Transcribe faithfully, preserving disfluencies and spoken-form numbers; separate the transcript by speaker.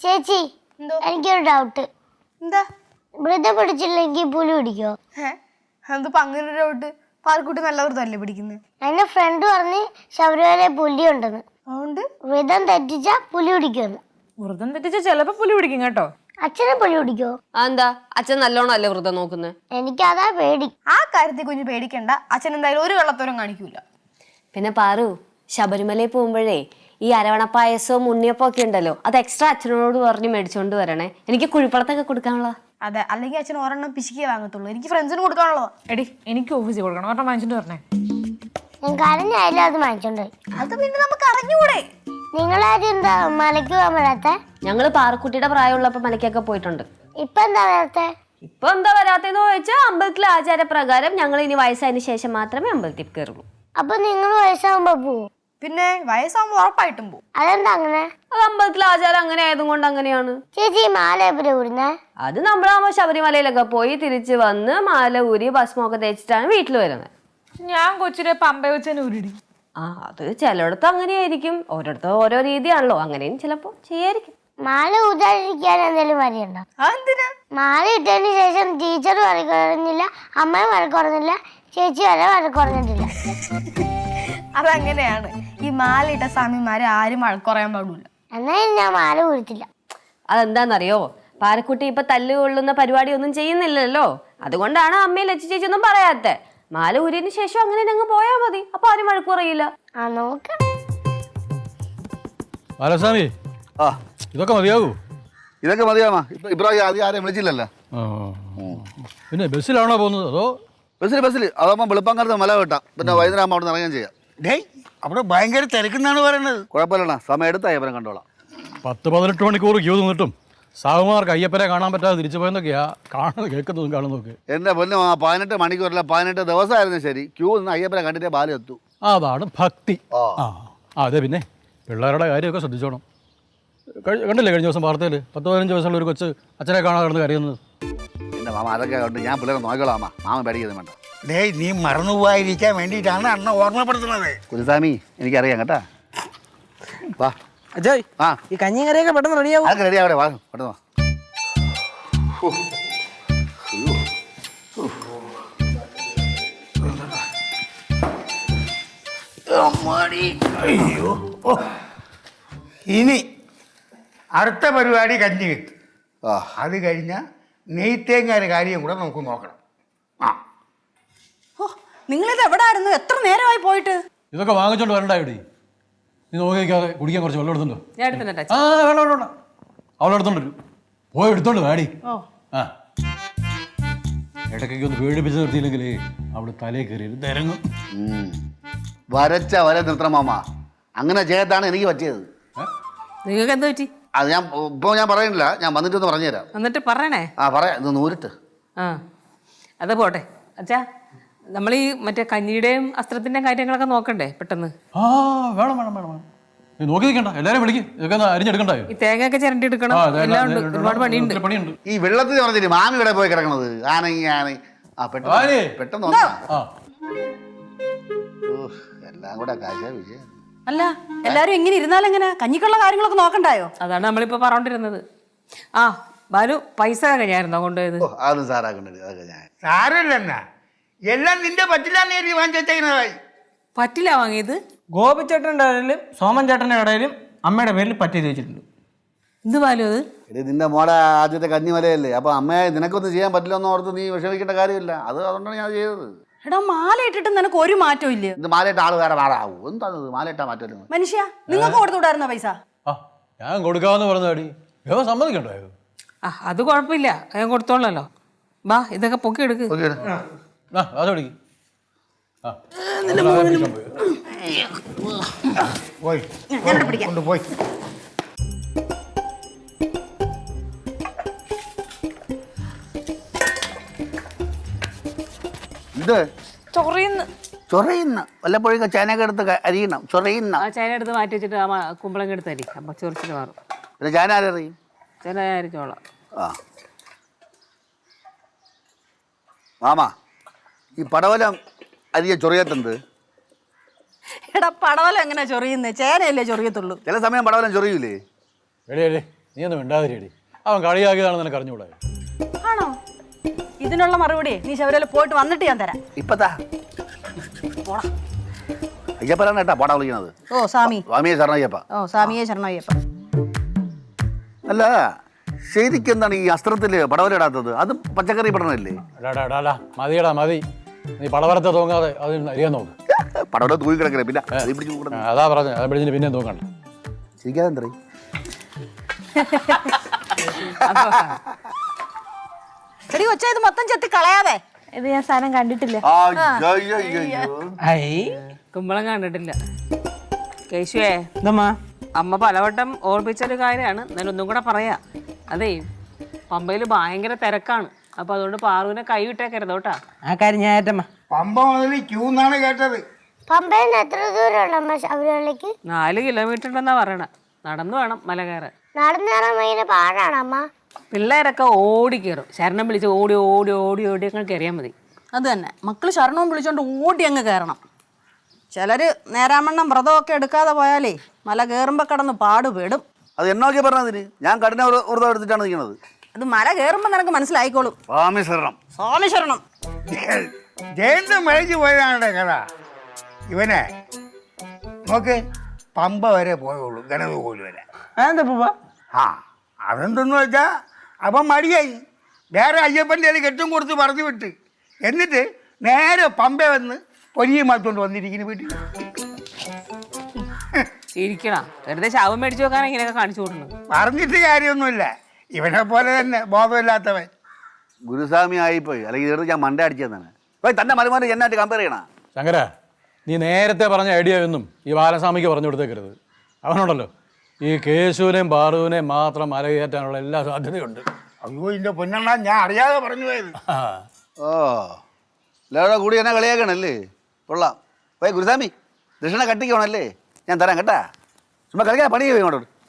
Speaker 1: ചേച്ചി എനിക്കൊരു ഡൗട്ട്.
Speaker 2: എന്താ?
Speaker 1: വ്രതം പിടിച്ചില്ലെങ്കിൽ പുലി പിടിക്കോ?
Speaker 2: എന്തിപ്പോ അങ്ങനെ ഒരു ഡൗട്ട്? പാൽക്കുട്ടി നല്ല വ്രതമല്ലേ പിടിക്കുന്നത്?
Speaker 1: എന്റെ ഫ്രണ്ട് പറഞ്ഞ് ശബരിമല പുലി ഉണ്ടെന്ന്.
Speaker 2: അതുകൊണ്ട്
Speaker 1: വ്രതം തെറ്റിച്ചാ പുലി പിടിക്കുമെന്ന്.
Speaker 3: വ്രതം തെറ്റിച്ചാ ചിലപ്പോ പുലി പിടിക്കും കേട്ടോ.
Speaker 1: അച്ഛനെ പുലി പിടിക്കോ?
Speaker 4: എന്താ അച്ഛൻ നല്ലോണം അല്ലേ വ്രതം നോക്കുന്നത്?
Speaker 1: എനിക്കതാ പേടി.
Speaker 2: ആ കാര്യത്തിൽ കുഞ്ഞ് പേടിക്കണ്ട. അച്ഛൻ എന്തായാലും ഒരു വെള്ളത്തോരം കാണിക്കൂല.
Speaker 4: പിന്നെ പാറു, ശബരിമലയിൽ പോകുമ്പോഴേ ഈ അരവണ പായസവും ഉണ്ണിയപ്പം ഒക്കെ ഉണ്ടല്ലോ, അത് എക്സ്ട്രാ അച്ഛനോട് പറഞ്ഞ് മേടിച്ചോണ്ട് വരണേ. എനിക്ക് കുഴിപ്പളത്തൊക്കെ കൊടുക്കാനുള്ള.
Speaker 2: അതെ, അല്ലെങ്കിൽ അച്ഛൻ ഒരെണ്ണം പിശിക്കേ വാങ്ങത്തുള്ളൂ. എനിക്ക് ഫ്രണ്ട്സിന് കൊടുക്കാനുള്ളതാ.
Speaker 3: എടി എനിക്ക് ഓഫീസിൽ കൊടുക്കണം, ഒരെണ്ണം വാങ്ങിച്ചിട്ട് പറഞ്ഞേ.
Speaker 1: ഞാൻ കരഞ്ഞായാലും അത് വാങ്ങിച്ചോണ്ട്.
Speaker 2: അത് പിന്നെ നമുക്ക് അറിഞ്ഞൂടെ?
Speaker 1: നിങ്ങളാരും എന്താ മലയ്ക്ക് പോകാൻ വരാത്ത?
Speaker 4: ഞങ്ങള് പാറക്കുട്ടിയുടെ പ്രായമുള്ളപ്പോ മലയ്ക്കൊക്കെ പോയിട്ടുണ്ട്.
Speaker 1: ഇപ്പൊ എന്താ വരാത്ത?
Speaker 4: ഇപ്പൊ എന്താ വരാത്തെന്ന് ചോദിച്ചാൽ അമ്പലത്തിലെ ആചാരപ്രകാരം ഞങ്ങൾ ഇനി വയസ്സായതിനു ശേഷം മാത്രമേ അമ്പലത്തിൽ കയറുള്ളൂ.
Speaker 1: അപ്പൊ നിങ്ങൾ വയസ്സാകുമ്പോ പോവോ?
Speaker 2: പിന്നെ വയസ്സാകുമ്പോ ഉറപ്പായിട്ടും പോകും.
Speaker 1: അതെന്താ അങ്ങനെ?
Speaker 4: അത് അമ്പലത്തിലെ ആചാരം അങ്ങനെ ആയതുകൊണ്ട് അങ്ങനെയാണ്.
Speaker 1: ചേച്ചി മാല എവിടെ ഊരുന്നേ?
Speaker 4: അത് നമ്മളാകുമ്പോ ശബരിമലയിലൊക്കെ പോയി തിരിച്ച് വന്ന് മാല ഊരി ഭസ്മൊക്കെ തേച്ചിട്ടാണ് വീട്ടിൽ വരുന്നത്.
Speaker 3: ഞാൻ കൊച്ചിലെ പമ്പ വെച്ചതിന് ഉരുടി.
Speaker 4: ആ അത് ചിലയിടത്ത് അങ്ങനെയായിരിക്കും, ഓരോരുത്തർ ഓരോ രീതിയാണല്ലോ. അങ്ങനെയും ചിലപ്പോ ചെയ്യായിരിക്കും.
Speaker 1: മാല ഊതാതിരിക്കാൻ എന്തെങ്കിലും വരിയുണ്ടോ?
Speaker 2: അതെന്തിനാ?
Speaker 1: മാല ഇട്ടതിന് ശേഷം ടീച്ചർ വഴക്കുറഞ്ഞില്ല, അമ്മയും വഴക്കുറഞ്ഞില്ല, ചേച്ചി വരെ വഴക്കുറഞ്ഞിട്ടില്ല.
Speaker 2: അതങ്ങനെയാണ്. ഈ മാലയിട്ട സ്വാമിമാരെ ആരും വഴക്കുറയാൻ പാടില്ല.
Speaker 1: എന്നാലും ഞാൻ മാല ഊരത്തില്ല.
Speaker 4: അതെന്താന്നറിയോ, പാരക്കുട്ടി ഇപ്പൊ തല്ല് കൊള്ളുന്ന പരിപാടി ഒന്നും ചെയ്യുന്നില്ലല്ലോ. അതുകൊണ്ടാണ് അമ്മയും ലച്ചു ചേച്ചി ഒന്നും പറയാത്തെ. മാല ഊരിയതിന് ശേഷം അങ്ങനെ അങ്ങ് പോയാൽ മതി, അപ്പൊ ആരും വഴക്കുറയില്ല.
Speaker 1: ആ നോക്കാം.
Speaker 5: ബാലസ്വാമി,
Speaker 6: ആ
Speaker 5: ഇതൊക്കെ മതിയാകൂ?
Speaker 6: ഇതൊക്കെ മതിയാമാ. ഇപ്പൊ ഇബ്രാഹിം ആദ്യം ആരെയും വിളിച്ചില്ലല്ലോ.
Speaker 5: പിന്നെ ബസ്സിലാണോ പോകുന്നത് അതോ?
Speaker 6: ബസ്സിൽ ബസ്സിൽ അതാകുമ്പോൾ വെളുപ്പാങ്കാലത്ത് മല വെട്ടാം, പിന്നെ വൈകുന്നേരം ആകുമ്പോൾ അവിടെ നിന്ന് ഇറങ്ങാൻ ചെയ്യാം.
Speaker 7: ഡേയ്, അവിടെ ഭയങ്കര തിരക്കെന്നാണ് പറയുന്നത്.
Speaker 6: കുഴപ്പമില്ലണ്ണ, സമയം എടുത്ത അയ്യപ്പനെ കണ്ടോളാം.
Speaker 5: പത്ത് പതിനെട്ട് മണിക്കൂർ ക്യൂ നിന്നിട്ടും സാഹുമാർക്ക് അയ്യപ്പനെ കാണാൻ പറ്റാതെ തിരിച്ചു പോയെന്നൊക്കെയാ കാണുന്നത്, കേൾക്കുന്നതും കാണുന്നതൊക്കെ.
Speaker 6: എൻ്റെ പൊന്നു ആ പതിനെട്ട് മണിക്കൂറല്ല പതിനെട്ട് ദിവസമായിരുന്നു ശരി, ക്യൂ നിന്ന് അയ്യപ്പനെ കണ്ടിട്ടേ ബാലം എത്തു.
Speaker 5: അതാണ് ഭക്തി. ആ അതെ, പിന്നെ പിള്ളേരുടെ കാര്യമൊക്കെ ശ്രദ്ധിച്ചോണം. കണ്ടില്ലേ കഴിഞ്ഞ ദിവസം വാർത്തയിൽ പത്ത് പതിനഞ്ച് വയസ്സുള്ള ഒരു കൊച്ച് അച്ഛനെ കാണാതെ കിടന്ന് കരയുന്നത്?
Speaker 6: എൻ്റെ മാമ അതൊക്കെ കൊണ്ട് ഞാൻ പിള്ളേരെ നോക്കിക്കോളാം. അമ്മ മാമ പേടിക്കുന്നത് വേണ്ട.
Speaker 7: ഡേയ്, നീ മറന്നു പോകാതിരിക്കാൻ വേണ്ടിയിട്ടാണ് അണ്ണ ഓർമ്മപ്പെടുത്തുന്നത്.
Speaker 6: കുരുസ്വാമി എനിക്കറിയാം കേട്ടാ. വാ
Speaker 8: അജയ്,
Speaker 6: ആ
Speaker 8: ഈ കഞ്ഞിയും കറിയൊക്കെ പെട്ടെന്ന് റെഡിയാവും.
Speaker 6: അതൊക്കെ റെഡി ആവട്ടെ, വാ പെട്ടെന്ന് വാ.
Speaker 7: അയ്യോ, ഇനി അടുത്ത പരിപാടി കഞ്ഞി കിട്ടും.
Speaker 6: ആ
Speaker 7: അത് കഴിഞ്ഞാൽ നെയ്ത്തേങ്ങാരുടെ കാര്യം കൂടെ നമുക്ക് നോക്കണം. ആ
Speaker 8: നിങ്ങളിത് എവിടെ ആയിരുന്നു? എത്ര നേരമായി പോയിട്ട്?
Speaker 5: ഇതൊക്കെ വാങ്ങിച്ചോണ്ട് വരണ്ടായി. നീ നോക്കിക്കാതെ കുടിക്കാൻ കുറച്ച് വെള്ളം എടുത്തുണ്ടോ? ആ വെള്ളം വേണ്ട, അവളെ എടുത്തോണ്ട് വരും. പോയി എടുത്തോണ്ട് വേടി. ആ ഇടയ്ക്കൊക്കെ ഒന്ന് പേടിപ്പിച്ച് നിർത്തിയില്ലെങ്കിൽ അവള് തലേ കയറി തിരങ്ങും.
Speaker 6: വരച്ച വര നിർത്തണം മാമ. അങ്ങനെ ചെയ്യത്താണ് എനിക്ക് പറ്റിയത്.
Speaker 3: നിങ്ങൾക്ക് എന്താ പറ്റി?
Speaker 6: അത് ഞാൻ ഇപ്പോൾ ഞാൻ പറയുന്നില്ല, ഞാൻ വന്നിട്ടൊന്ന് പറഞ്ഞുതരാം.
Speaker 3: എന്നിട്ട് പറയണേ.
Speaker 6: ആ പറയാം, ഇത് നൂരിട്ട്.
Speaker 3: ആ അത് പോട്ടെ അച്ഛാ, നമ്മൾ ഈ മറ്റേ കഞ്ഞിയുടെയും അസ്ത്രത്തിന്റെയും കാര്യങ്ങളൊക്കെ നോക്കണ്ടേ പെട്ടെന്ന്?
Speaker 5: ആ വേണം വേണം വേണം വേണം. നീ നോക്കി നിൽക്കണ്ട, എല്ലാവരും വിളിക്കും. ഇതൊക്കെ ഒന്ന് അരിഞ്ഞെടുക്കണ്ടായോ?
Speaker 3: ഈ തേങ്ങയൊക്കെ ചിരണ്ടി എടുക്കണം, എല്ലാം ഉണ്ട്, ഒരുപാട് പണിയുണ്ട്.
Speaker 5: പണിയുണ്ട്.
Speaker 6: ഈ വെള്ളത്തിൽ പറഞ്ഞിട്ട് മാമി ഇവിടെ പോയി കിടക്കണത് ആനങ്ങി ആന. ആ പെട്ടെന്ന് പെട്ടെന്ന് നോക്കാം. എല്ലാം കൂടെ കാശ വിജയം.
Speaker 8: അല്ല, എല്ലാരും ഇങ്ങനെ ഇരുന്നാലെങ്ങനെ? കഞ്ഞിക്കുള്ള കാര്യങ്ങളൊക്കെ നോക്കണ്ടായോ?
Speaker 3: അതാണ് നമ്മളിപ്പോ പറഞ്ഞോണ്ടിരുന്നത്. ആ ബാലു, പൈസ കഴിഞ്ഞായിരുന്നോ കൊണ്ടുപോയത്?
Speaker 6: ഓ അതൊന്നും സാറാക്കണ്ടത്, അതൊക്കെ ഞാൻ
Speaker 7: സാരമില്ലെന്നാ, എല്ലാം നിന്റെ പറ്റില്ലാന്ന് എഴുതി വാങ്ങിച്ചേക്കുന്നതായി.
Speaker 3: പറ്റില്ല വാങ്ങിയത്?
Speaker 8: ഗോപിച്ചേട്ടൻ്റെ ഇടയിലും സോമൻ ചേട്ടൻ്റെ ഇടയിലും അമ്മയുടെ പേരിൽ പറ്റി വെച്ചിട്ടുണ്ട്.
Speaker 3: എന്ത് ബാലു അത്?
Speaker 6: എടി നിന്റെ മോടെ ആദ്യത്തെ കന്നിമലയല്ലേ, അപ്പൊ അമ്മയെ നിനക്കൊന്നും ചെയ്യാൻ പറ്റില്ലെന്ന് ഓർത്ത് നീ വിഷമിക്കേണ്ട കാര്യമില്ല. അത് അതുകൊണ്ടാണ് ഞാൻ ചെയ്തത്.
Speaker 8: എടാ, മാല ഇട്ടിട്ട് നിനക്ക് ഒരു മാറ്റവും ഇല്ല.
Speaker 6: ഇത് മാലയിട്ട ആള് വേറെ മാറാവൂ. എന്താണത് മാലയിട്ടാ മാറ്റം?
Speaker 8: മനുഷ്യ, നിങ്ങൾക്ക് കൊടുത്തുവിടായിരുന്നോ പൈസ?
Speaker 5: ആ ഞാൻ കൊടുക്കാമെന്ന് പറഞ്ഞാടി, വേഗം സമ്മതിക്കണ്ടോ?
Speaker 3: ആ അത് കുഴപ്പമില്ല, ഞാൻ കൊടുത്തോളല്ലോ. ബാ ഇതൊക്കെ പൊക്കി എടുക്ക്.
Speaker 5: അതോടി
Speaker 7: പോയി കൊണ്ടുപോയി.
Speaker 6: ഇത്
Speaker 3: ചൊറിയുന്നു.
Speaker 6: ചൊറയുന്ന വല്ലപ്പോഴൊക്കെ ചേനയൊക്കെ എടുത്ത് അരിയണം. ചൊറയുന്ന
Speaker 3: ആ ചേന എടുത്ത് മാറ്റി വെച്ചിട്ട് ആ കുമ്പളങ്ങ എടുത്ത് അരി, അപ്പൊ ചൊറിച്ചിട്ട് മാറും.
Speaker 6: പിന്നെ ചേന ആരറിയും?
Speaker 3: ചേന അരിച്ചോളാം.
Speaker 6: ആ മാമ, ഈ പടവലം അരിയ ചൊറിയത്തുണ്ട്.
Speaker 8: എടാ, പടവലം എങ്ങനെ ചൊറിയുന്നേ? ചേനയല്ലേ ചൊറിയത്തുള്ളൂ.
Speaker 6: ചില സമയം പടവലം ചൊറിയൂലേ?
Speaker 5: എടേ എടേ നീ ഒന്നും മിണ്ടാതിരിയടി. അവൻ കളിയാക്കിയതാണെന്ന് നിനക്ക് അറിഞ്ഞുകൂടാ.
Speaker 9: ആണോ? ഇതിനുള്ള മറുപടി നീ ശബരിമല പോയിട്ട് വന്നിട്ട് ഞാൻ തരാം.
Speaker 6: ഇപ്പത്താ അയ്യപ്പനാണ് കേട്ടാ പാടാ വിളിക്കണത്.
Speaker 9: ഓ സ്വാമി.
Speaker 6: സ്വാമിയെ ശരണം അയ്യപ്പ.
Speaker 9: ഓ സ്വാമിയെ ശരണയ്യപ്പ.
Speaker 6: അല്ല ശരിക്കും എന്താണ് ഈ അസ്ത്രത്തിൽ പടവലിടാത്തത്? അത് പച്ചക്കറി പടണല്ലേ?
Speaker 5: എടാടാ എടാടാ മതിയടാ മതി. നീ പടവരത്തെ തൂങ്ങാതെ അത് അറിയാൻ നോക്ക്.
Speaker 6: പടവല തൂങ്ങി കിടക്കണേ പിന്നെ അത് പിടിച്ച്
Speaker 5: ആ,
Speaker 6: കൂടെ
Speaker 5: അതാ പറഞ്ഞത്. അത് പിടിച്ചിട്ട് പിന്നെ തൂങ്ങണ്ട.
Speaker 6: ശരിക്കാതെ എന്തേ
Speaker 9: എടി കൊച്ചാ ഇത് മൊത്തം ചെത്തി കളയാതെ.
Speaker 4: ഇത് ഞാൻ സാധനം കണ്ടിട്ടില്ല.
Speaker 8: ഐ
Speaker 3: കുമ്പളം കണ്ടിട്ടില്ല. കേശുവേ,
Speaker 8: എന്തമ്മാ?
Speaker 3: അമ്മ പലവട്ടം ഓർപ്പിച്ചൊരു കാര്യമാണ്, എന്നാലും ഒന്നും കൂടെ പറയാ. അതേ പമ്പയിൽ ഭയങ്കര തിരക്കാണ്. അപ്പൊ അതുകൊണ്ട് പാറുവിനെ കൈ വിട്ടേക്കരുത് കേട്ടാ.
Speaker 8: ആ കാര്യം ഞാൻ ഏറ്റമ്മ.
Speaker 7: പമ്പ മുതൽ ക്യൂ എന്നാണ് കേട്ടത്.
Speaker 1: പമ്പയിൽ നിന്ന് എത്ര ദൂരമുണ്ട് അമ്മ ശബരിമലയ്ക്ക്?
Speaker 3: നാല് കിലോമീറ്റർ ഉണ്ടെന്നാ പറയണ. നടന്നു വേണം മല കയറാൻ.
Speaker 1: നടന്നു കയറാൻ ഭയങ്കര പാടാണ് അമ്മ.
Speaker 3: പിള്ളേരൊക്കെ ഓടി കയറും. ശരണം വിളിച്ച് ഓടി ഓടി ഓടി ഓടി അങ്ങ് കയറിയാൽ മതി.
Speaker 9: അത് തന്നെ, മക്കള് ശരണവും വിളിച്ചോണ്ട് ഓടി അങ്ങ് കയറണം. ചിലര് നേരാമണ്ണം വ്രതമൊക്കെ എടുക്കാതെ പോയാലേ മല കയറുമ്പോ കിടന്ന് പാടുപെടും.
Speaker 6: അത് എന്നൊക്കെ പറഞ്ഞതിന് ഞാൻ കഠിന വ്രതം എടുത്തിട്ടാണ് നിൽക്കുന്നത്.
Speaker 9: അത് മല കയറുമ്പോ നിനക്ക് മനസ്സിലായിക്കോളും.
Speaker 6: സ്വാമി ശരണം.
Speaker 9: സ്വാമി ശരണം.
Speaker 7: ജയന്ത് മരിച്ചു പോയതാണ് കഥ. ഇവനെ നോക്ക്, പമ്പ വരെ പോയുള്ളൂ, ഗണതകോല് വരെ.
Speaker 8: അതെന്താ പൂപ്പ?
Speaker 7: ആ അതെന്തെന്ന് വെച്ചാൽ അപ്പം മടിയായി. വേറെ അയ്യപ്പൻ്റെ കയ്യിൽ കെട്ടും കൊടുത്ത് പറഞ്ഞു വിട്ട്, എന്നിട്ട് നേരെ പമ്പ വന്ന് പൊരിയും മാറ്റോണ്ട് വന്നിരിക്കുന്നു വീട്ടിൽ.
Speaker 3: ചിരിക്കണം. വെറുതെ ശവം മേടിച്ചു വെക്കാൻ ഇങ്ങനെയൊക്കെ കാണിച്ചു കൊടുക്കുന്നത്.
Speaker 7: പറഞ്ഞിട്ട് കാര്യമൊന്നുമില്ല, ഇവനെ പോലെ തന്നെ ബോധമില്ലാത്തവൻ.
Speaker 6: ഗുരുസ്വാമി ആയിപ്പോയി, അല്ലെങ്കിൽ ഇതെടുത്ത് ഞാൻ മണ്ട അടിച്ചതാണ്. പോയി തന്നെ മരുമാരെ എന്നായിട്ട് കമ്പയർ ചെയ്യണ.
Speaker 5: ശങ്കര, നീ നേരത്തെ പറഞ്ഞ ഐഡിയ ഒന്നും ഈ ബാലസ്വാമിക്ക് പറഞ്ഞു കൊടുത്തേക്കരുത്. അവനുണ്ടല്ലോ ഈ കേശുവിനെയും പാറുവിനെയും മാത്രം മലകയറ്റാനുള്ള എല്ലാ സാധ്യതയുണ്ട്.
Speaker 7: അയ്യോ ഇതിൻ്റെ പൊന്നെണ്ണ, ഞാൻ അറിയാതെ പറഞ്ഞു പോയത്.
Speaker 5: ആ
Speaker 6: ഓ എല്ലാവരുടെ കൂടി എന്നെ കളിയാക്കണല്ലേ? കൊള്ളാം. പോയി ഗുരുസ്വാമി ദക്ഷിണ കട്ടിക്കണല്ലേ? ഞാൻ തരാം കേട്ടാ. ചുമ്മാ കളിക്കാൻ പണി പോയി ഇങ്ങോട്ട്.